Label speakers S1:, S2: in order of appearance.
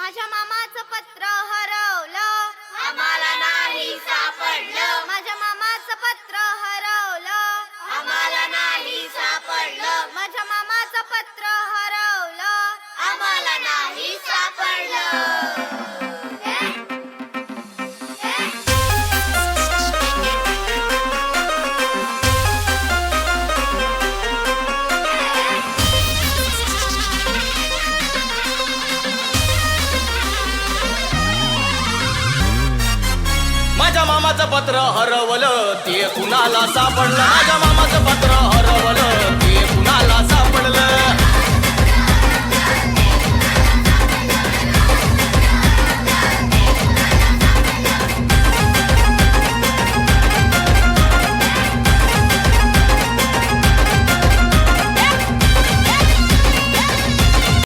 S1: माझ्या मामाचं पत्र हरवलं,
S2: आम्हाला नाही सापडलं.
S1: माझ्या मामाचं पत्र हरवलं,
S2: आम्हाला नाही सापडलं.
S1: माझ्या मामाचं पत्र हरवलं,
S2: आम्हाला नाही सापडलं.
S3: माझ्या मामाचं पत्र हरवलं, ते कुणाला सापडलं. माझ्या मामाचं पत्र हरवलं,